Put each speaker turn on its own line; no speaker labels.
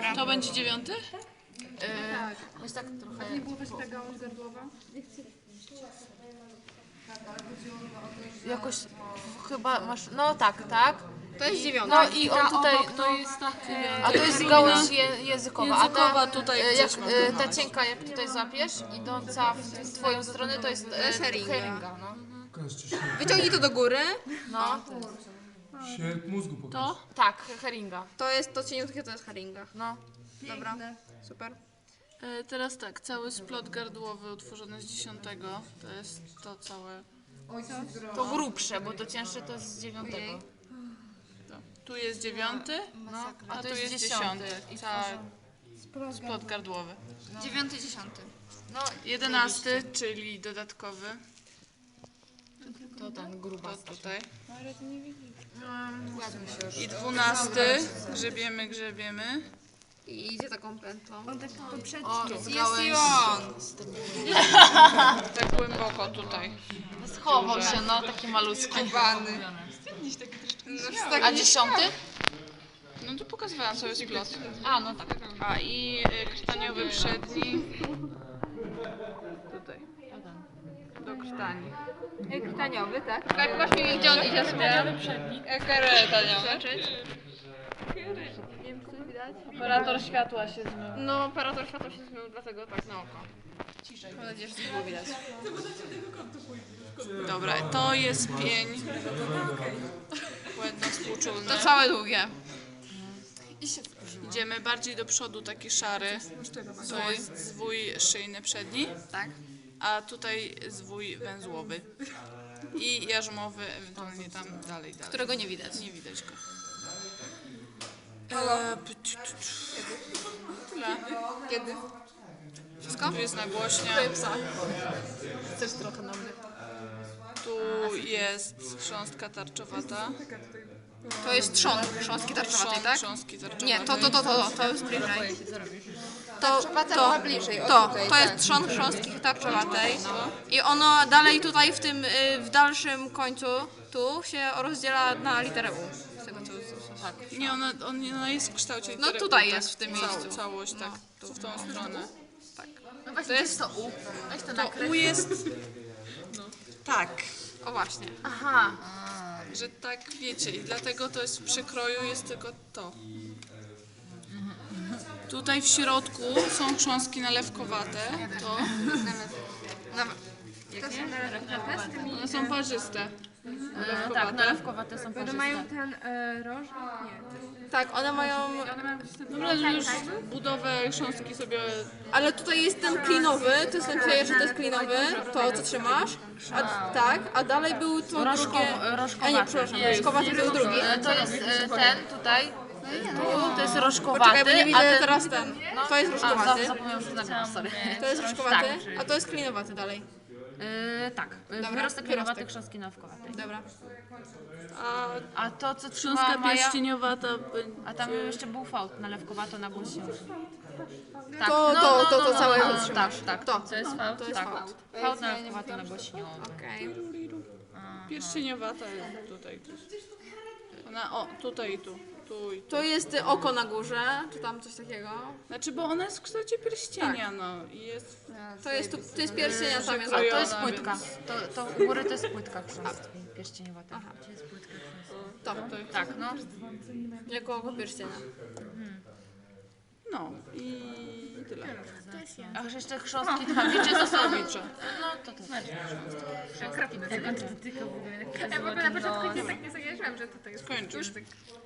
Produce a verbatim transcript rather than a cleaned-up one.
Dobra.
To będzie dziewiąty?
Tak. Jest tak trochę...
Nie było też ta gałąź gardłowa?
Jakoś chyba masz... No tak, tak.
To jest dziewiąty.
No i on tutaj...
Obok to
No,
jest ta
a to jest gałąź je, językowa.
Językowa
a ta,
tutaj
e,
gdzieś
jak,
masz
e,
tu
Ta
masz.
cienka, jak tutaj złapiesz, idąca w twoją stronę, to jest, e,
jest heringa.
heringa, no.
Pokażcie się.
Wyciągnij to do góry.
No,
Świat mózgu pokaż.
To?
tak, heringa.
To jest to cieniutkie, to jest haringa.
No.
Dobra, super.
E, teraz tak, cały splot gardłowy utworzony z dziesiątego. To jest to całe.
To grubsze, bo to cięższe to jest z dziewiątego.
To. Tu jest dziewiąty,
No,
a tu jest dziesiąty. Cały splot gardłowy.
Dziewiąty, dziesiąty.
No,
Jedenasty, czyli dodatkowy.
to ten gruba.
To tutaj.
Ładnie się
I dwunasty, grzebiemy, grzebiemy.
I idzie taką pętlą.
O,
Jest
gałęź.
i on.
Tak głęboko tutaj.
Schował się, no, taki malutki.
Bany. No, tak
A
nie...
dziesiąty?
No to pokazywałam cały splot.
A, no tak.
A i y, krtaniowy przedni. Tutaj. Do krtani.
Krtaniowy, tak?
Tak, pokaż mi gdzie on idzie sobie. Krtaniowy.
Nie wiem, czy to widać.
Operator światła się zmył.
No, operator światła się zmył, dlatego tak na oko. Ciszej. Mam nadzieję, że to było widać.
Dobra, to jest pień. Błędno współczulny.
To całe długie.
Idziemy bardziej do przodu, taki szary. To jest zwój szyjny przedni,
Tak.
a tutaj zwój węzłowy. I jarzmowy, ewentualnie tam dalej, dalej.
Którego nie widać.
Nie widać go. Eee, p- t- t- Tyle.
Kiedy? Wszystko?
Tu jest nagłośnia.
Chcesz trochę na mnie?
Tu jest chrząstka tarczowata.
To jest trzon chrząstki tarczowatej,
Chrząst,
tak?
chrząstki tarczowatej.
Nie, to, to, to, to, to jest bliżej. To,
Tarczowata była bliżej, o
to,
tutaj,
to jest
tak.
trzon chrząstki tarczowatej. I ono dalej tutaj w tym, y, w dalszym końcu, tu się rozdziela na literę U. Z tego co, co, tak.
Nie, ona, on, ona jest w kształcie
No
litery
tutaj
U, tak,
jest w tym
cał-
miejscu.
Całość, tak, tu, w tą stronę.
No właśnie, to jest to U. Weź to
To
nakryć.
U jest tak,
O właśnie.
Aha.
że tak wiecie i dlatego to jest w przekroju jest tylko to. Tutaj w środku są chrząstki nalewkowate, to one są parzyste.
E, tak, nalewkowate są parzyste.
ten e, roż?
Tak, one mają,
Dobra, że już budowę chrząstki sobie...
ale tutaj jest ten klinowy, to jest ten pierwszy, to jest klinowy, to co trzymasz. A, tak, a dalej był to drugie...
Rożkow- rożkowaty.
A nie, przepraszam, rożkowaty to jest drugi.
E, To jest e, ten tutaj. Tu, to jest rożkowaty,
Poczekaj, bo nie
a
widzę
ten...
teraz ten. To jest
A,
rożkowaty.
zapomniałam, że nagrać, sorry.
To jest rożkowaty, a to jest klinowaty dalej.
E, tak,
Dobra,
wyrostek
wyrostek.
kierowaty, chrząstki nałówkowate.
Dobra.
A
A to co
chrząstka
trzymała Maja...
pierścieniowata będzie...
A tam jeszcze był fałd, nalewkowato na głośniu. Tak,
To- to- to- to całe
no,
trzymasz.
tak, tak.
To.
To jest fałd,
To jest
tak.
fałd.
Fałd nalewkowato na głośniu.
Okej.
Pierścieniowata jest tutaj. Ona, o, tutaj i tu. Tu i tu.
To jest y, oko na górze, czy tam coś takiego.
Znaczy, bo ona jest w kształcie pierścienia, no. I jest...
To jest, tu, to jest pierścienia, tam jest
A
Krojona,
to jest
więc-
płytka. To, to u góry to jest płytka chrząstki pierścieniowata. Gdzie jest płytka chrząstki?
to,
Tak, no.
jako oko pierścienia.
No i tyle.
A jeszcze chrząstki tchawicze to są bicze. No to też.
Ja w ogóle na początku nie tak nie zauważyłam, że tutaj jest
Skończysz.